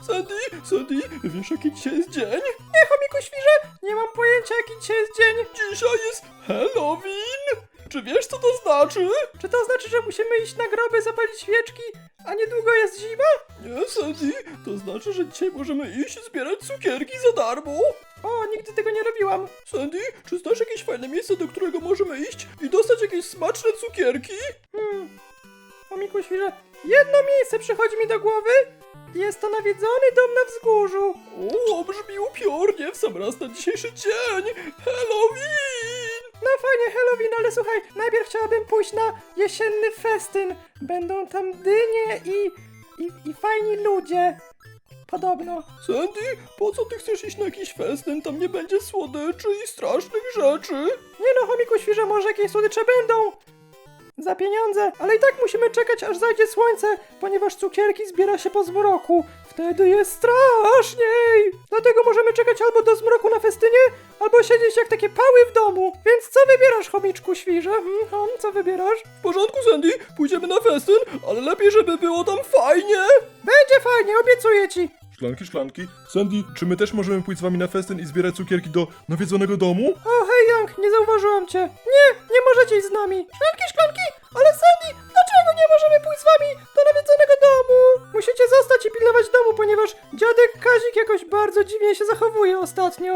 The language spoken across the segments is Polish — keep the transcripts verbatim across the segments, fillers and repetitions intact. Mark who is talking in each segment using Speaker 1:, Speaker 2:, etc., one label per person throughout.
Speaker 1: Sandy, Sandy, wiesz jaki dzisiaj jest dzień?
Speaker 2: Nie, chomiku świrze, nie mam pojęcia jaki dzisiaj jest dzień.
Speaker 1: Dzisiaj jest Halloween! Czy wiesz co to znaczy?
Speaker 2: Czy to znaczy, że musimy iść na groby, zapalić świeczki, a niedługo jest zima?
Speaker 1: Nie, Sandy, to znaczy, że dzisiaj możemy iść zbierać cukierki za darmo.
Speaker 2: O, nigdy tego nie robiłam.
Speaker 1: Sandy, czy znasz jakieś fajne miejsce, do którego możemy iść i dostać jakieś smaczne cukierki?
Speaker 2: Hmm, chomiku świrze, jedno miejsce przychodzi mi do głowy. Jest to nawiedzony dom na wzgórzu.
Speaker 1: O, brzmi upiornie w sam raz na dzisiejszy dzień! Halloween!
Speaker 2: No fajnie, Halloween, ale słuchaj, najpierw chciałabym pójść na jesienny festyn. Będą tam dynie i, i, i fajni ludzie. Podobno.
Speaker 1: Sandy, po co ty chcesz iść na jakiś festyn? Tam nie będzie słodyczy i strasznych rzeczy.
Speaker 2: Nie no, chomiku świrze, może jakieś słodycze będą. Za pieniądze, ale i tak musimy czekać, aż zajdzie słońce, ponieważ cukierki zbiera się po zmroku. Wtedy jest straszniej. Dlatego możemy czekać albo do zmroku na festynie, albo siedzieć jak takie pały w domu. Więc co wybierasz, chomiczku świrze? Hmm, hom, co wybierasz?
Speaker 1: W porządku, Sandy, pójdziemy na festyn, ale lepiej, żeby było tam fajnie.
Speaker 2: Będzie fajnie, obiecuję ci.
Speaker 1: Szklanki, szklanki. Sandy, czy my też możemy pójść z wami na festyn i zbierać cukierki do nawiedzonego domu?
Speaker 2: O, hej Young, nie zauważyłam cię. Nie, nie możecie iść z nami. Szklanki, szklanki, ale Sandy, dlaczego nie możemy pójść z wami do nawiedzonego domu? Musicie zostać i pilnować domu, ponieważ dziadek Kazik jakoś bardzo dziwnie się zachowuje ostatnio.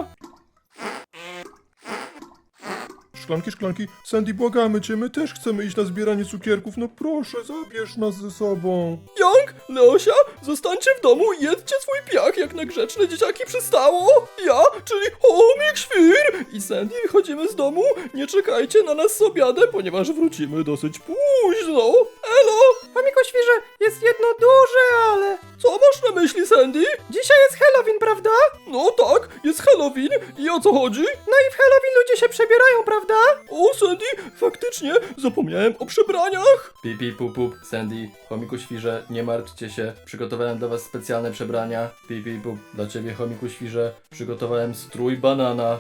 Speaker 1: Szklanki, szklanki. Sandy, błagamy cię, my też chcemy iść na zbieranie cukierków. No proszę, zabierz nas ze sobą. Young, Leosia, zostańcie w domu i jedzcie swój piach, jak na grzeczne dzieciaki przystało. Ja, czyli chomik świr i Sandy wychodzimy z domu. Nie czekajcie na nas z obiadem, ponieważ wrócimy dosyć późno. Elo!
Speaker 2: Chomiku świrze, jest jedno duże ale.
Speaker 1: Co masz na myśli, Sandy?
Speaker 2: Dzisiaj jest Halloween, prawda?
Speaker 1: No tak, jest Halloween i o co chodzi?
Speaker 2: No i w Halloween ludzie się przebierają, prawda?
Speaker 1: O, Sandy, faktycznie, zapomniałem o przebraniach.
Speaker 3: Pip, pip, pup, pup, Sandy, chomiku świrze, nie martwcie się, przygotowałem dla was specjalne przebrania. Pip, pip, pup, dla ciebie, chomiku świrze, przygotowałem strój banana.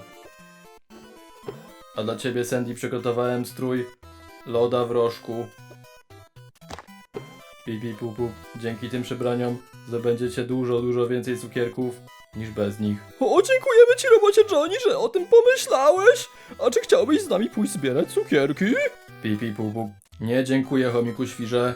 Speaker 3: A dla ciebie, Sandy, przygotowałem strój loda w rożku. Pip, pip, pup, pup, dzięki tym przebraniom zdobędziecie dużo, dużo więcej cukierków niż bez nich.
Speaker 1: O, dziękujemy ci, robocie Johnny, że o tym pomyślałeś. A czy chciałbyś z nami pójść zbierać cukierki?
Speaker 3: Pip, pip, pup, pup, nie dziękuję, chomiku świrze.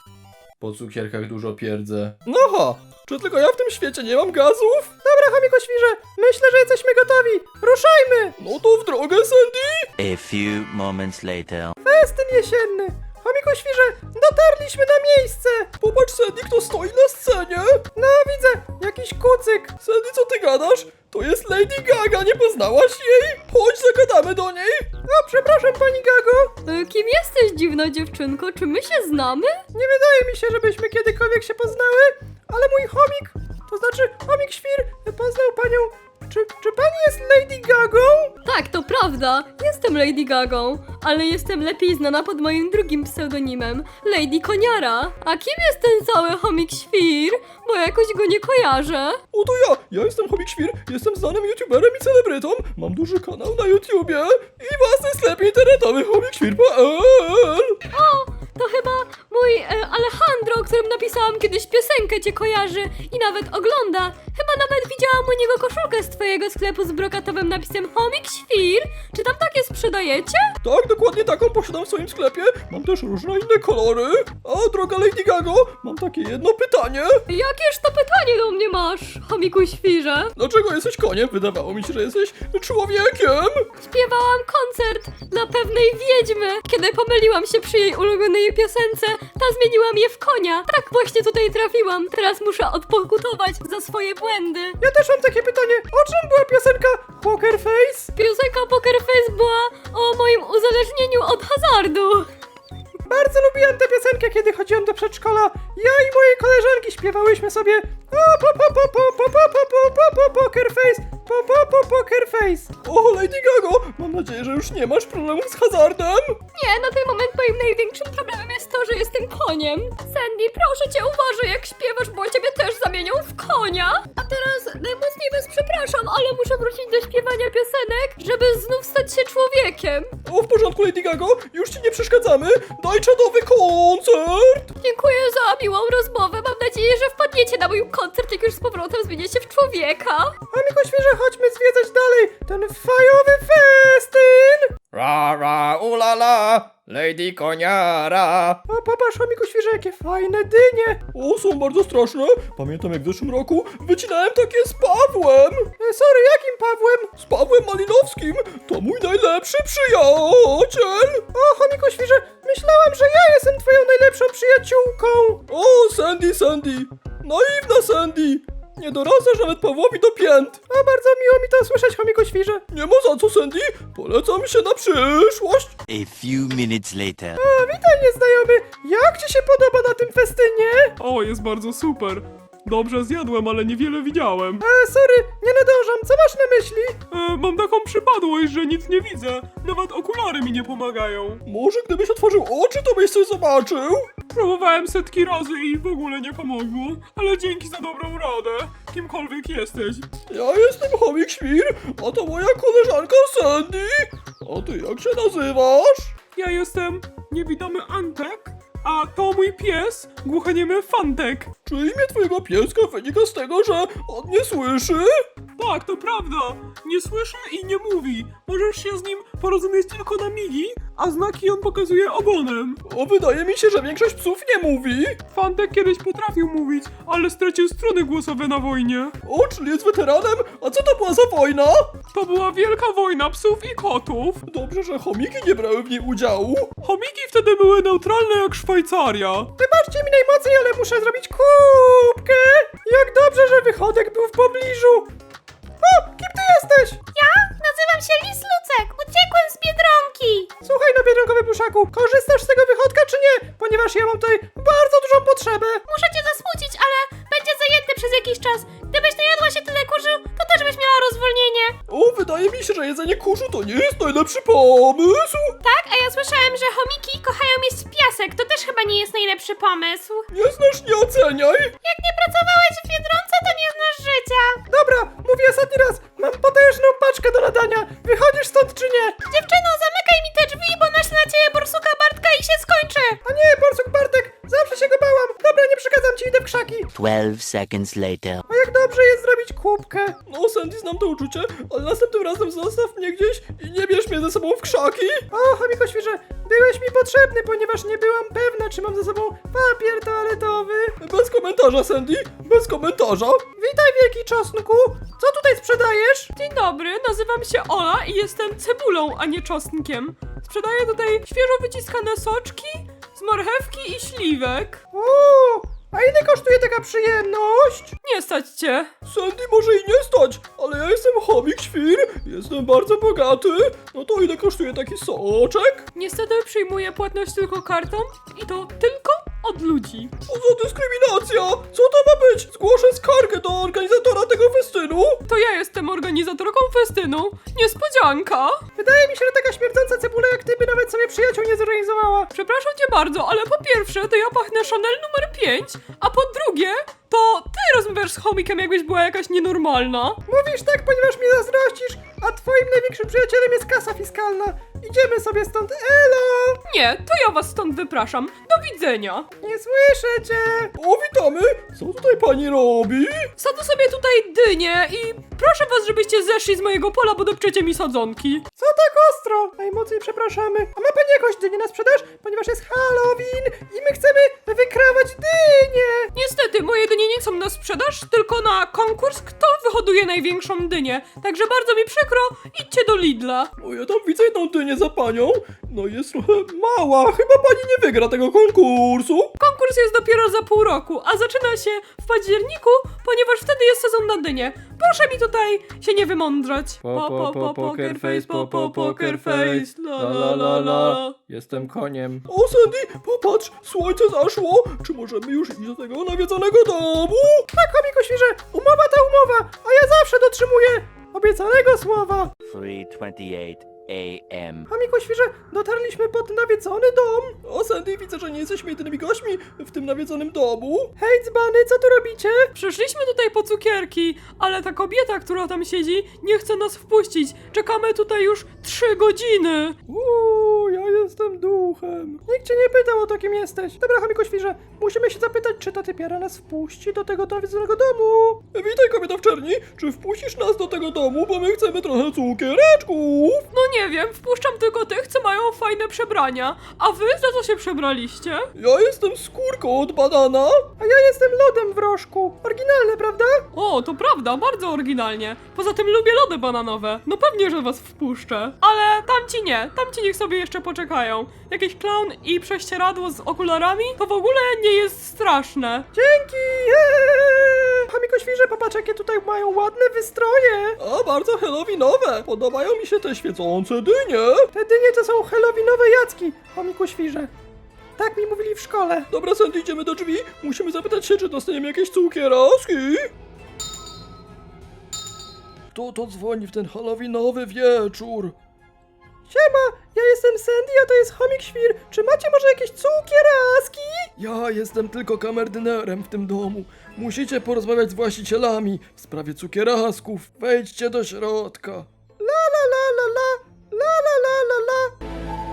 Speaker 3: Po cukierkach dużo pierdzę.
Speaker 1: No ha, czy tylko ja w tym świecie nie mam gazów?
Speaker 2: Dobra, chomiku świrze, myślę, że jesteśmy gotowi. Ruszajmy!
Speaker 1: No to w drogę, Sandy.
Speaker 4: A few moments later.
Speaker 2: Festyn jesienny. Chomiku świrze, dotarliśmy na miejsce.
Speaker 1: Popatrz, Sandy, kto stoi na scenie.
Speaker 2: No widzę, jakiś kucyk.
Speaker 1: Sandy, co ty gadasz? To jest Lady Gaga, nie poznałaś jej? Chodź, zagadamy do niej.
Speaker 2: O, przepraszam pani Gago.
Speaker 5: E, Kim jesteś, dziwna dziewczynko? Czy my się znamy?
Speaker 2: Nie wydaje mi się, żebyśmy kiedykolwiek się poznały, ale mój chomik, to znaczy chomik świr, poznał panią. Czy, czy pani jest Lady Gagą?
Speaker 5: Tak, to prawda. Jestem Lady Gagą, ale jestem lepiej znana pod moim drugim pseudonimem, Lady Koniara. A kim jest ten cały chomik świr? Bo jakoś go nie kojarzę.
Speaker 1: O, to ja, ja jestem Chomik Świr, jestem znanym youtuberem i celebrytą, mam duży kanał na YouTubie i własny sklep internetowy chomik świr kropka p l.
Speaker 5: O, to chyba mój e, Alejandro, o którym napisałam kiedyś piosenkę, cię kojarzy i nawet ogląda. Chyba nawet widziałam u niego koszulkę z twojego sklepu z brokatowym napisem Chomik Świr. Czy tam takie sprzedajecie?
Speaker 1: Tak, dokładnie taką posiadam w swoim sklepie, mam też różne inne kolory. A droga Lady Gago, mam takie jedno pytanie.
Speaker 5: Jakież to pytanie do mnie masz, chomiku świrze?
Speaker 1: Dlaczego jesteś koniem? Wydawało mi się, że jesteś człowiekiem.
Speaker 5: Śpiewałam koncert dla pewnej wiedźmy. Kiedy pomyliłam się przy jej ulubionej piosence, ta zmieniłam je w konia. Tak właśnie tutaj trafiłam. Teraz muszę odpokutować za swoje błędy.
Speaker 2: Ja też mam takie pytanie, o czym była piosenka Poker Face?
Speaker 5: Piosenka Poker Face była o moim uzależnieniu od hazardu.
Speaker 2: Bardzo lubiłem tę piosenkę, kiedy chodziłem do przedszkola. Ja i moje koleżanki śpiewałyśmy sobie o po po po po po po po po po Poker Face, po po po Poker Face.
Speaker 1: O, Lady Gago, mam nadzieję, że już nie masz problemów z hazardem.
Speaker 5: Nie, na ten moment moim największym problemem jest to, że jestem koniem. Sandy, proszę cię, uważaj jak śpiewasz, bo ciebie też zamienią w konia. A teraz najmocniej was przepraszam, ale muszę muszę wrócić do śpiewania piosenek, żeby znów stać się człowiekiem.
Speaker 1: O, w porządku, Lady Gaga, już ci nie przeszkadzamy. Daj czadowy koncert.
Speaker 5: Dziękuję za miłą rozmowę. Mam nadzieję, że wpadniecie na mój koncert, jak już z powrotem zmienicie się w człowieka.
Speaker 2: Chomiku Świrze, chodźmy zwiedzać dalej ten fajowy festyn!
Speaker 1: Ra, ra, ulala, Lady Koniara.
Speaker 2: O, popatrz, Chomiku Świrze, jakie fajne dynie!
Speaker 1: O, są bardzo straszne. Pamiętam, jak w zeszłym roku wycinałem takie z Pawłem.
Speaker 2: E, sorry, jakim Pawłem?
Speaker 1: Z Pawłem Malinowskim. To mój najlepszy przyjaciel.
Speaker 2: O, Chomiku Świrze, myślałam, że ja jestem twoją najlepszą przyjaciółką!
Speaker 1: O, Sandy, Sandy. Naiwna Sandy. Nie dorastasz nawet Pawłowi do pięt.
Speaker 2: O, bardzo miło mi to słyszeć, Chomiku Świrze.
Speaker 1: Nie ma za co, Sandy. Polecam się na przyszłość.
Speaker 4: A few minutes later.
Speaker 2: O, witaj, nieznajomy! Jak ci się podoba na tym festynie?
Speaker 6: O, jest bardzo super. Dobrze zjadłem, ale niewiele widziałem.
Speaker 2: E, sorry, nie nadążam, co masz na myśli?
Speaker 6: E, mam taką przypadłość, że nic nie widzę. Nawet okulary mi nie pomagają.
Speaker 1: Może gdybyś otworzył oczy, to byś coś zobaczył.
Speaker 6: Próbowałem setki razy i w ogóle nie pomogło. Ale dzięki za dobrą radę. Kimkolwiek jesteś.
Speaker 1: Ja jestem Chomik Świr, a to moja koleżanka Sandy. A ty jak się nazywasz?
Speaker 6: Ja jestem niewidomy Antek, a to mój pies, głuchoniemy Fantek.
Speaker 1: Czy imię twojego pieska wynika z tego, że on nie słyszy?
Speaker 6: Tak, to prawda. Nie słyszy i nie mówi. Możesz się z nim porozumieć tylko na migi, a znaki on pokazuje ogonem.
Speaker 1: O, wydaje mi się, że większość psów nie mówi.
Speaker 6: Fantek kiedyś potrafił mówić, ale stracił struny głosowe na wojnie.
Speaker 1: O, czyli jest weteranem? A co to była za wojna?
Speaker 6: To była wielka wojna psów i kotów.
Speaker 1: Dobrze, że chomiki nie brały w niej udziału.
Speaker 6: Chomiki wtedy były neutralne jak Szwajcaria.
Speaker 2: Wybaczcie mi najmocniej, ale muszę zrobić kubkę! Jak dobrze, że wychodek był w pobliżu! O, kim ty jesteś?
Speaker 5: Ja nazywam się Lis Lucek. Uciekłem z Biedronki.
Speaker 2: Słuchaj, no biedronkowy pluszaku, korzystasz z tego wychodka czy nie? Ponieważ ja mam tutaj bardzo dużą potrzebę.
Speaker 5: Muszę cię zasmucić, ale będzie zajęty przez jakiś czas. Gdybyś najadła się tyle kurzu, to też byś miała rozwolnienie.
Speaker 1: O, wydaje mi się, że jedzenie kurzu to nie jest najlepszy pomysł.
Speaker 5: Tak, a ja słyszałem, że chomiki kochają jeść piasek. To też chyba nie jest najlepszy pomysł.
Speaker 1: Nie znasz, nie oceniaj.
Speaker 5: Jak nie pracowałeś w Biedronce, to nie znasz życia.
Speaker 2: Dobra, mówię ostatni raz, mam potężną paczkę do nadania. Wychodzisz stąd czy nie?
Speaker 5: Dziewczyno, zamykaj mi te drzwi, bo naślę na ciebie borsuka Bartka i się skończy.
Speaker 2: A nie, Borsuk Bartek, zawsze się go bałam. Dobra, nie przeszkadzam ci, idę w krzaki.
Speaker 4: Twelve seconds later.
Speaker 2: A jak dobrze jest zrobić kubkę.
Speaker 1: No, Sandy, znam to uczucie, ale następnym razem zostaw mnie gdzieś i nie bierz mnie ze sobą w krzaki.
Speaker 2: O, Chomiko Świrze, byłeś mi potrzebny, ponieważ nie byłam pewna, czy mam ze sobą papier toaletowy.
Speaker 1: Bez komentarza, Sandy, bez komentarza.
Speaker 2: Witaj, wielki czosnku. Co tutaj sprzedajesz?
Speaker 6: Dzień dobry, nazywam się Ola i jestem cebulą, a nie czosnkiem. Sprzedaję tutaj świeżo wyciskane soczki z marchewki i śliwek.
Speaker 2: O, a ile kosztuje taka przyjemność?
Speaker 6: Nie stać cię.
Speaker 1: Sandy może i nie stać, ale ja jestem chomik świr, jestem bardzo bogaty. No to ile kosztuje taki soczek?
Speaker 6: Niestety przyjmuję płatność tylko kartą i to tylko od ludzi.
Speaker 1: Co za dyskryminacja? Co to ma być? Zgłoszę skargę do organizatora tego festynu.
Speaker 6: To ja jestem organizatorką festynu. Niespodzianka.
Speaker 2: Wydaje mi się, że taka śmierdząca cebula jak ty by nawet sobie przyjaciół nie zorganizowała.
Speaker 6: Przepraszam cię bardzo, ale po pierwsze to ja pachnę Chanel numer pięć, a po drugie to ty rozmawiasz z chomikiem, jakbyś była jakaś nienormalna.
Speaker 2: Mówisz tak, ponieważ mnie zazdrościsz, a twoim największym przyjacielem jest kasa fiskalna. Idziemy sobie stąd, elo!
Speaker 6: Nie, to ja was stąd wypraszam. Do widzenia.
Speaker 2: Nie słyszę cię!
Speaker 1: O, witamy. Co tutaj pani robi?
Speaker 6: Sadzę sobie tutaj dynię i proszę was, żebyście zeszli z mojego pola, bo dopczecie mi sadzonki.
Speaker 2: Co tak ostro? Najmocniej przepraszamy. A ma pani jakąś dynię na sprzedaż? Ponieważ jest Halloween i my chcemy wykrawać dynię!
Speaker 6: Niestety, moje dynie nie są na sprzedaż, tylko na konkurs, kto wyhoduje największą dynię. Także bardzo mi przykro, idźcie do Lidla.
Speaker 1: O, ja tam widzę jedną dynię za panią. No jest trochę mała, chyba pani nie wygra tego konkursu.
Speaker 6: Konkurs jest dopiero za pół roku, a zaczyna się w październiku, ponieważ wtedy jest sezon na dynie. Proszę mi tutaj się nie wymądrzać.
Speaker 3: Po, po, po, poker face, po, po, poker face, la, la, la, la. Jestem koniem.
Speaker 1: O, Sandy, popatrz, słońce zaszło. Czy możemy już iść do tego nawiedzonego domu?
Speaker 2: Tak, Chomiku Świrze, umowa ta umowa, a ja zawsze dotrzymuję obiecanego słowa.
Speaker 4: three twenty-eight A M
Speaker 2: Chomiku świrze, dotarliśmy pod nawiedzony dom.
Speaker 1: O, Sandy, widzę, że nie jesteśmy jedynymi gośćmi w tym nawiedzonym domu.
Speaker 2: Hej, dzbany, co tu robicie?
Speaker 6: Przyszliśmy tutaj po cukierki, ale ta kobieta, która tam siedzi, nie chce nas wpuścić. Czekamy tutaj już trzy godziny.
Speaker 2: Uuu, ja jestem duchem. Nikt cię nie pytał o to, kim jesteś. Dobra, chomiku świrze, musimy się zapytać, czy ta typiara nas wpuści do tego nawiedzonego domu.
Speaker 1: Witaj, kobieta w czerni. Czy wpuścisz nas do tego domu, bo my chcemy trochę cukiereczków?
Speaker 6: No nie wiem, wpuszczam tylko tych, co mają fajne przebrania. A wy za co się przebraliście?
Speaker 1: Ja jestem skórką od banana.
Speaker 2: A ja jestem lodem w rożku. Oryginalne, prawda?
Speaker 6: O, to prawda, bardzo oryginalnie. Poza tym lubię lody bananowe. No pewnie, że was wpuszczę. Ale tamci nie, tamci niech sobie jeszcze poczekają. Jakiś klaun i prześcieradło z okularami to w ogóle nie jest straszne.
Speaker 2: Dzięki! Eee! Chomiku świrze, popatrz, jakie tutaj mają ładne wystroje.
Speaker 1: A, bardzo halloweenowe. Podobają mi się te świecące dynie.
Speaker 2: Te dynie to są halloweenowe jacki, chomiku świrze. Tak mi mówili w szkole.
Speaker 1: Dobra, Sandy, idziemy do drzwi. Musimy zapytać się, czy dostaniemy jakieś cukieraski. Kto to dzwoni w ten halloweenowy wieczór?
Speaker 2: Siema, ja jestem Sandy, a to jest chomik świr. Czy macie może jakieś cukieraski?
Speaker 1: Ja jestem tylko kamerdynerem w tym domu. Musicie porozmawiać z właścicielami w sprawie cukierasków. Wejdźcie do środka.
Speaker 2: La la la la la, la la la la la.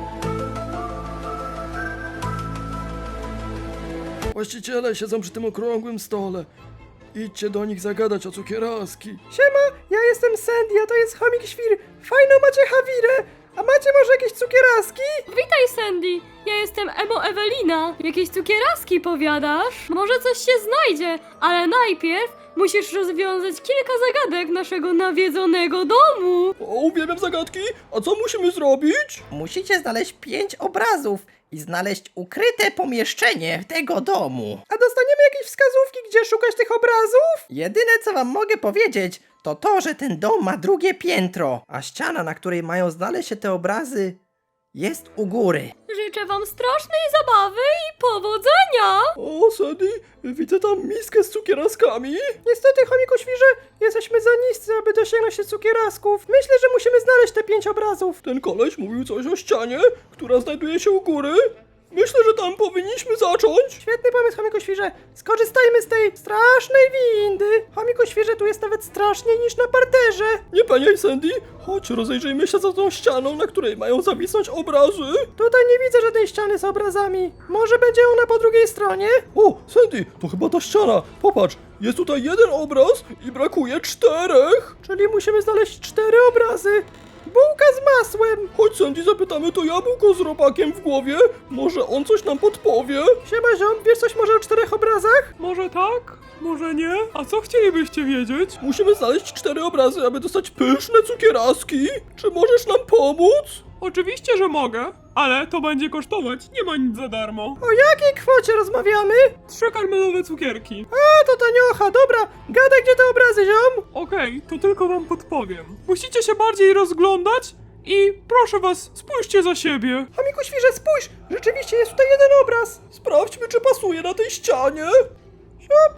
Speaker 1: Właściciele siedzą przy tym okrągłym stole. Idźcie do nich zagadać o cukieraski.
Speaker 2: Siema, ja jestem Sandy, a to jest chomik świr. Fajną macie hawirę. A macie może jakieś cukieraski?
Speaker 5: Witaj, Sandy! Ja jestem Emo Ewelina. Jakieś cukieraski powiadasz? Może coś się znajdzie, ale najpierw musisz rozwiązać kilka zagadek naszego nawiedzonego domu.
Speaker 1: O, uwielbiam zagadki. A co musimy zrobić?
Speaker 7: Musicie znaleźć pięć obrazów i znaleźć ukryte pomieszczenie tego domu.
Speaker 2: A dostaniemy jakieś wskazówki, gdzie szukać tych obrazów?
Speaker 7: Jedyne co wam mogę powiedzieć, to to, że ten dom ma drugie piętro, a ściana, na której mają znaleźć się te obrazy, jest u góry.
Speaker 5: Życzę wam strasznej zabawy i powodzenia!
Speaker 1: O, Sandy, widzę tam miskę z cukieraskami.
Speaker 2: Niestety, chomiku świrze, jesteśmy za niscy, aby dosięgnąć się cukierasków. Myślę, że musimy znaleźć te pięć obrazów.
Speaker 1: Ten koleś mówił coś o ścianie, która znajduje się u góry. Myślę, że tam powinniśmy zacząć.
Speaker 2: Świetny pomysł, chomiku świrze. Skorzystajmy z tej strasznej windy. Chomiku świrze, tu jest nawet straszniej niż na parterze.
Speaker 1: Nie paniaj, Sandy. Chodź, rozejrzyjmy się za tą ścianą, na której mają zawisnąć obrazy.
Speaker 2: Tutaj nie widzę żadnej ściany z obrazami. Może będzie ona po drugiej stronie?
Speaker 1: O, Sandy, to chyba ta ściana. Popatrz, jest tutaj jeden obraz i brakuje czterech.
Speaker 2: Czyli musimy znaleźć cztery obrazy. Bułka z masłem.
Speaker 1: Chodź, Sandy, zapytamy to jabłko z robakiem w głowie. Może on coś nam podpowie.
Speaker 2: Siema ziom, wiesz coś może o czterech obrazach?
Speaker 6: Może tak? Może nie? A co chcielibyście wiedzieć?
Speaker 1: Musimy znaleźć cztery obrazy, aby dostać pyszne cukieraski. Czy możesz nam pomóc?
Speaker 6: Oczywiście, że mogę, ale to będzie kosztować. Nie ma nic za darmo.
Speaker 2: O jakiej kwocie rozmawiamy?
Speaker 6: Trzy karmelowe cukierki.
Speaker 2: A, to taniocha, dobra. Gadaj, gdzie te obrazy, ziom?
Speaker 6: Okej, to tylko wam podpowiem. Musicie się bardziej rozglądać i proszę was, spójrzcie za siebie.
Speaker 2: Chomiku świrze, spójrz. Rzeczywiście jest tutaj jeden obraz.
Speaker 1: Sprawdźmy, czy pasuje na tej ścianie.
Speaker 2: Siup.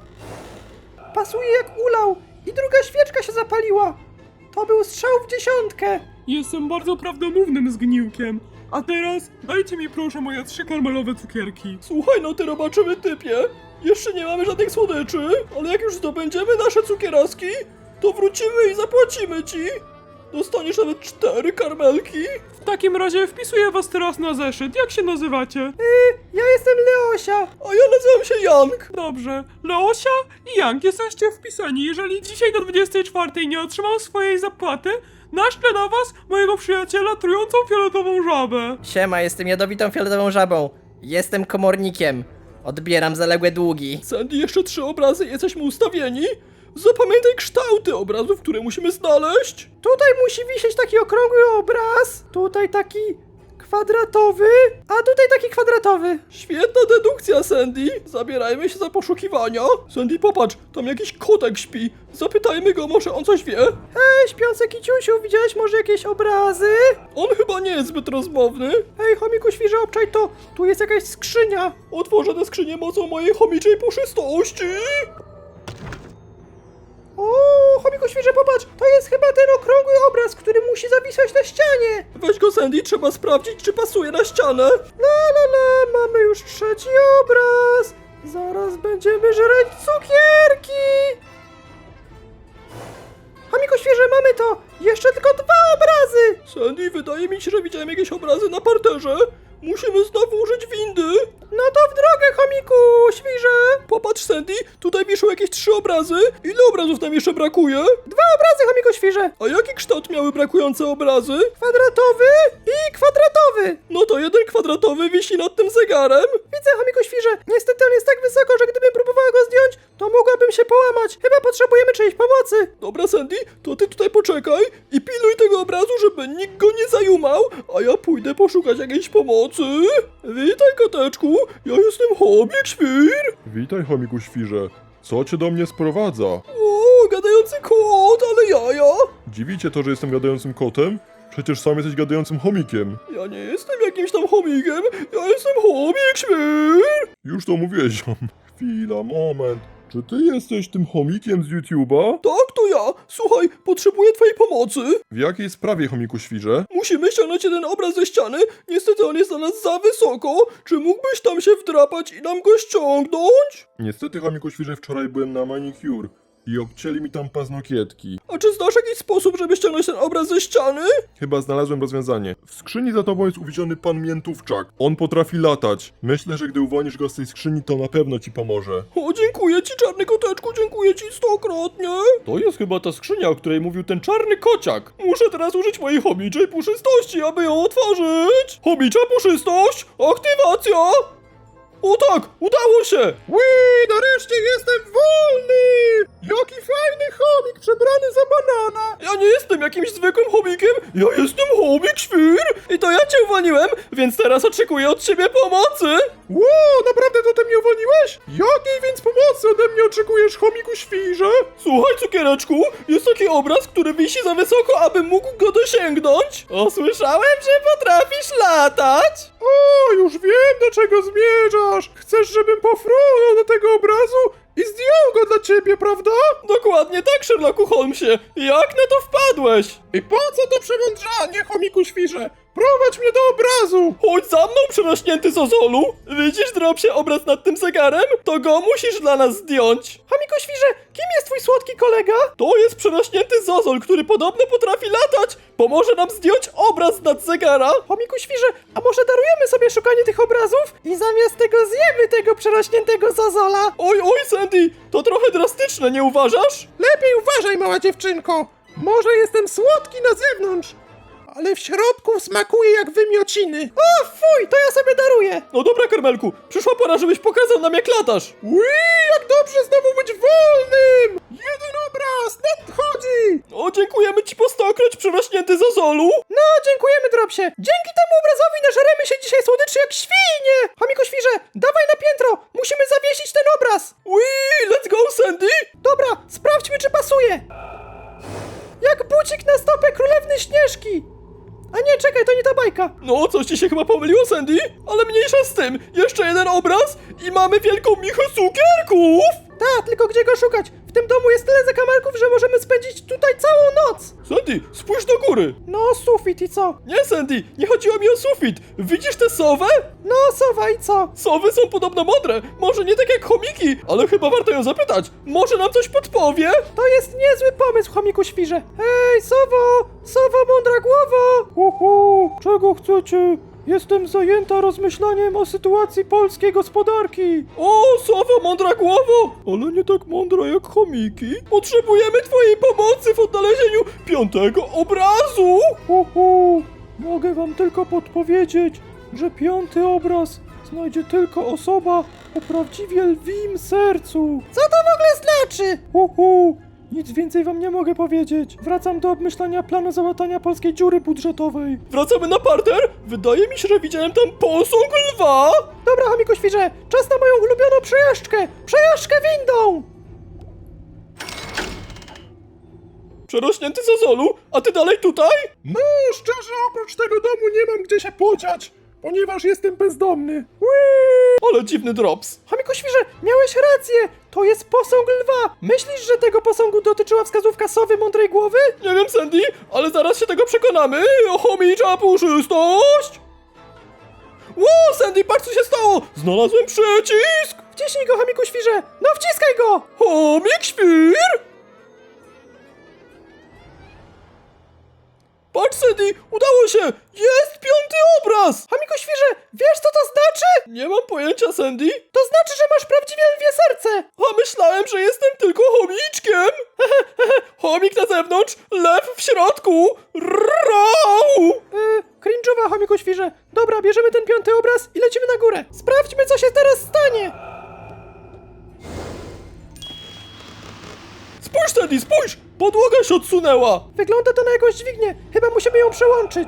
Speaker 2: Pasuje jak ulał. I druga świeczka się zapaliła. To był strzał w dziesiątkę.
Speaker 6: Jestem bardzo prawdomównym zgniłkiem. A teraz dajcie mi proszę moje trzy karmelowe cukierki.
Speaker 1: Słuchaj, no ty robaczymy typie. Jeszcze nie mamy żadnych słodyczy, ale jak już zdobędziemy nasze cukieraski, to wrócimy i zapłacimy ci. Dostaniesz nawet cztery karmelki.
Speaker 6: W takim razie wpisuję was teraz na zeszyt. Jak się nazywacie?
Speaker 2: Yy, ja jestem Leosia.
Speaker 1: A ja nazywam się Jank.
Speaker 6: Dobrze. Leosia i Jank jesteście wpisani. Jeżeli dzisiaj do dwudziestej czwartej nie otrzymam swojej zapłaty, naszczę na was mojego przyjaciela trującą fioletową żabę.
Speaker 7: Siema, jestem jadowitą fioletową żabą. Jestem komornikiem. Odbieram zaległe długi.
Speaker 1: Sandy, jeszcze trzy obrazy, jesteśmy ustawieni. Zapamiętaj kształty obrazów, które musimy znaleźć.
Speaker 2: Tutaj musi wisieć taki okrągły obraz. Tutaj taki kwadratowy. A tutaj taki kwadratowy.
Speaker 1: Świetna dedukcja, Sandy. Zabierajmy się za poszukiwania. Sandy, popatrz, tam jakiś kotek śpi. Zapytajmy go, może on coś wie.
Speaker 2: Hej, śpiący kiciusiu, widziałeś może jakieś obrazy?
Speaker 1: On chyba nie jest zbyt rozmowny.
Speaker 2: Hej, chomiku świrze, obczaj to. Tu jest jakaś skrzynia.
Speaker 1: Otworzę tę skrzynię mocą mojej chomiczej puszystości.
Speaker 2: O, chomiku Świże, popatrz, to jest chyba ten okrągły obraz, który musi zawisać na ścianie.
Speaker 1: Weź go, Sandy, trzeba sprawdzić, czy pasuje na ścianę.
Speaker 2: La la la, mamy już trzeci obraz. Zaraz będziemy żreć cukierki. Chomiku Świże, mamy to. Jeszcze tylko dwa obrazy.
Speaker 1: Sandy, wydaje mi się, że widziałem jakieś obrazy na parterze. Musimy znowu użyć windy.
Speaker 2: No to w drogę, chomiku Świże.
Speaker 1: Popatrz, Sandy, tutaj wiszą jakieś trzy obrazy. Ile obrazów nam jeszcze brakuje?
Speaker 2: Dwa obrazy, chomiku Świże.
Speaker 1: A jaki kształt miały brakujące obrazy?
Speaker 2: Kwadratowy i kwadratowy.
Speaker 1: No to jeden kwadratowy wisi nad tym zegarem.
Speaker 2: Widzę, chomiku Świże. Niestety on jest tak wysoko, że gdybym próbowała go zdjąć, to mogłabym się połamać. Chyba potrzebujemy czyjejś pomocy.
Speaker 1: Dobra, Sandy, to ty tutaj poczekaj i pilnuj tego obrazu, żeby nikt go nie zajumał, a ja pójdę poszukać jakiejś pomocy. Witaj, koteczku, ja jestem Chomik Świr.
Speaker 8: Witaj, chomiku świrze. Co cię do mnie sprowadza?
Speaker 1: O, gadający kot, ale jaja.
Speaker 8: Dziwi cię to, że jestem gadającym kotem? Przecież sam jesteś gadającym chomikiem.
Speaker 1: Ja nie jestem jakimś tam chomikiem, ja jestem Chomik Świr.
Speaker 8: Już to mówiłeś, ziom. Chwila, moment. Czy ty jesteś tym chomikiem z YouTube'a?
Speaker 1: Tak, to ja. Słuchaj, potrzebuję twojej pomocy.
Speaker 8: W jakiej sprawie, chomiku świrze?
Speaker 1: Musimy ściągnąć jeden obraz ze ściany. Niestety on jest dla nas za wysoko. Czy mógłbyś tam się wdrapać i nam go ściągnąć?
Speaker 8: Niestety, chomiku świrze, wczoraj byłem na manicure i obcięli mi tam paznokietki.
Speaker 1: A czy znasz jakiś sposób, żeby ściągnąć ten obraz ze ściany?
Speaker 8: Chyba znalazłem rozwiązanie. W skrzyni za tobą jest uwięziony pan Miętówczak. On potrafi latać. Myślę, że gdy uwolnisz go z tej skrzyni, to na pewno ci pomoże.
Speaker 1: O, dziękuję ci, czarny koteczku, dziękuję ci stokrotnie.
Speaker 3: To jest chyba ta skrzynia, o której mówił ten czarny kociak.
Speaker 1: Muszę teraz użyć mojej chomiczej puszystości, aby ją otworzyć. Chomicza puszystość, aktywacja. O tak, udało się.
Speaker 2: Ui, nareszcie jestem wolny. Jaki fajny chomik przebrany za banana.
Speaker 1: Ja nie jestem jakimś zwykłym chomikiem, ja jestem Chomik Świr. I to ja cię uwolniłem, więc teraz oczekuję od ciebie pomocy.
Speaker 2: Ło, naprawdę to ty mnie uwolniłeś? Jakiej więc pomocy ode mnie oczekujesz, chomiku Świrze?
Speaker 1: Słuchaj, cukiereczku, jest taki obraz, który wisi za wysoko, abym mógł go dosięgnąć. O, słyszałem, że potrafisz latać.
Speaker 2: O, już wiem, do czego zmierzasz. Chcesz, żebym pofrunął do tego obrazu i zdjął go dla ciebie, prawda?
Speaker 1: Dokładnie tak, Sherlocku Holmesie. Jak na to wpadłeś?
Speaker 2: I po co to przemądrzanie, chomiku Świrze? Prowadź mnie do obrazu.
Speaker 1: Chodź za mną, przerośnięty Zozolu. Widzisz, Dropsie, obraz nad tym zegarem? To go musisz dla nas zdjąć.
Speaker 2: Chomiku Świrze, kim jest twój słodki kolega?
Speaker 1: To jest przerośnięty Zozol, który podobno potrafi latać. Pomoże nam zdjąć obraz nad zegara.
Speaker 2: Chomiku Świrze, a może darujemy sobie szukanie tych obrazów i zamiast tego zjemy tego przerośniętego Zozola?
Speaker 1: Oj, oj, Sandy, to trochę drastyczne, nie uważasz?
Speaker 2: Lepiej uważaj, mała dziewczynko. Może jestem słodki na zewnątrz, ale w środku smakuje jak wymiociny. O, fuj, to ja sobie daruję.
Speaker 1: No dobra, Karmelku, przyszła pora, żebyś pokazał nam, jak latasz.
Speaker 2: Ui, jak dobrze znowu być wolnym. Jeden obraz, nadchodzi.
Speaker 1: O, dziękujemy ci po stokroć, przerośnięty Zozolu.
Speaker 2: No, dziękujemy, Dropsie. Dzięki temu obrazowi nażeremy się dzisiaj słodyczy jak świnie. Chomiku Świrze, dawaj na piętro. Musimy zawiesić ten obraz.
Speaker 1: Ui, let's go, Sandy.
Speaker 2: Dobra, sprawdźmy, czy pasuje. Jak bucik na stopę królewny Śnieżki. A nie, czekaj, to nie ta bajka.
Speaker 1: No, coś ci się chyba pomyliło, Sandy, ale mniejsza z tym. Jeszcze jeden obraz i mamy wielką michę cukierków.
Speaker 2: Tak, tylko gdzie go szukać? W tym domu jest tyle zakamarków, że możemy spędzić tutaj całą noc.
Speaker 1: Sandy, spójrz do góry.
Speaker 2: No, sufit i co?
Speaker 1: Nie, Sandy, nie chodziło mi o sufit. Widzisz tę sowę?
Speaker 2: No, sowa i co?
Speaker 1: Sowy są podobno mądre. Może nie tak jak chomiki, ale chyba warto ją zapytać. Może nam coś podpowie?
Speaker 2: To jest niezły pomysł, chomiku Świrze. Hej, sowo! Sowo, mądra głowo! Uhu, czego chcecie? Jestem zajęta rozmyślaniem o sytuacji polskiej gospodarki.
Speaker 1: O, sowo, mądra głowo! Ale nie tak mądra jak chomiki. Potrzebujemy twojej pomocy w odnalezieniu piątego obrazu!
Speaker 2: Uhu, mogę wam tylko podpowiedzieć, że piąty obraz znajdzie tylko osoba o prawdziwie lwim sercu. Co to w ogóle znaczy? Uhu, nic więcej wam nie mogę powiedzieć. Wracam do obmyślania planu załatania polskiej dziury budżetowej.
Speaker 1: Wracamy na parter? Wydaje mi się, że widziałem tam posąg lwa!
Speaker 2: Dobra, chomiku Świrze, czas na moją ulubioną przejażdżkę! Przejażdżkę windą!
Speaker 1: Przerośnięty Zozolu, a ty dalej tutaj?
Speaker 2: No, szczerze, oprócz tego domu nie mam gdzie się podziać, ponieważ jestem bezdomny. Whee!
Speaker 1: Ale dziwny drops.
Speaker 2: Chomiku świrze, miałeś rację! To jest posąg lwa! Myślisz, że tego posągu dotyczyła wskazówka sowy mądrej głowy?
Speaker 1: Nie wiem, Sandy, ale zaraz się tego przekonamy. Chomicza puszystość! Ło, Sandy, patrz co się stało! Znalazłem przycisk!
Speaker 2: Wciśnij go, chomiku świrze! No wciskaj go!
Speaker 1: Chomik świr! Patrz, Sandy, udało się! Jest piąty obraz!
Speaker 2: Chomiku świrze, wiesz co to znaczy?
Speaker 1: Nie mam pojęcia, Sandy.
Speaker 2: To znaczy, że masz prawdziwie lwie serce!
Speaker 1: A myślałem, że jestem tylko chomiczkiem! Chomik na zewnątrz, lew w środku! Rau!
Speaker 2: Yy, cringe'owa, chomiku świrze. Dobra, bierzemy ten piąty obraz i lecimy na górę. Sprawdźmy, co się teraz stanie!
Speaker 1: Spójrz, Sandy, spójrz! Podłoga się odsunęła!
Speaker 2: Wygląda to na jakąś dźwignię. Chyba musimy ją przełączyć.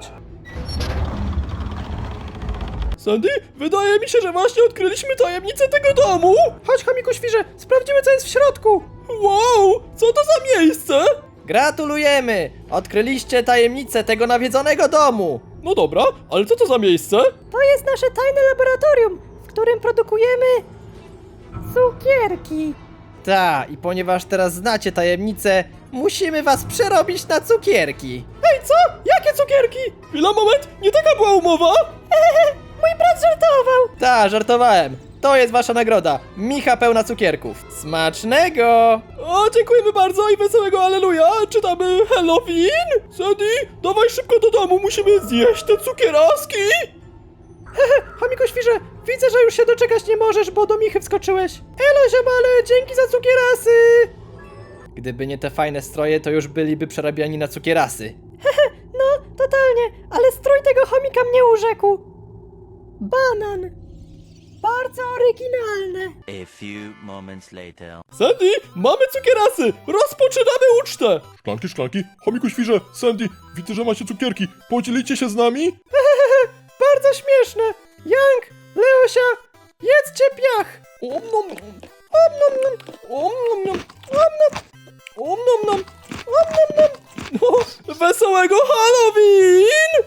Speaker 1: Sandy, wydaje mi się, że właśnie odkryliśmy tajemnicę tego domu!
Speaker 2: Chodź, chomiku świrze, sprawdzimy, co jest w środku.
Speaker 1: Wow, co to za miejsce?
Speaker 7: Gratulujemy! Odkryliście tajemnicę tego nawiedzonego domu!
Speaker 1: No dobra, ale co to za miejsce?
Speaker 2: To jest nasze tajne laboratorium, w którym produkujemy cukierki.
Speaker 7: Ta, i ponieważ teraz znacie tajemnicę, musimy was przerobić na cukierki.
Speaker 2: Ej, co? Jakie cukierki?
Speaker 1: Chwila, moment, nie taka była umowa?
Speaker 2: Mój brat żartował.
Speaker 7: Ta, żartowałem. To jest wasza nagroda. Micha pełna cukierków. Smacznego!
Speaker 1: O, dziękujemy bardzo i wesołego alleluja! Czytamy Halloween? Sandy, dawaj szybko do domu, musimy zjeść te cukieraski!
Speaker 2: Chomiku świrze, widzę, że już się doczekać nie możesz, bo do Michy wskoczyłeś. Elo, ziomale, dzięki za cukierasy!
Speaker 7: Gdyby nie te fajne stroje, to już byliby przerabiani na cukierasy.
Speaker 2: No, totalnie, ale strój tego chomika mnie urzekł. Banan. Bardzo oryginalne.
Speaker 4: A few moments later.
Speaker 1: Sandy, mamy cukierasy! Rozpoczynamy ucztę! Szklanki, szklanki, chomiku świrze, Sandy, widzę, że macie cukierki. Podzielicie się z nami?
Speaker 2: Bardzo śmieszne. Jank, Leosia, jedzcie piach.
Speaker 1: Om nom nom, om nom nom, om nom nom, om nom, om nom nom, om nom nom. No, wesołego Halloween!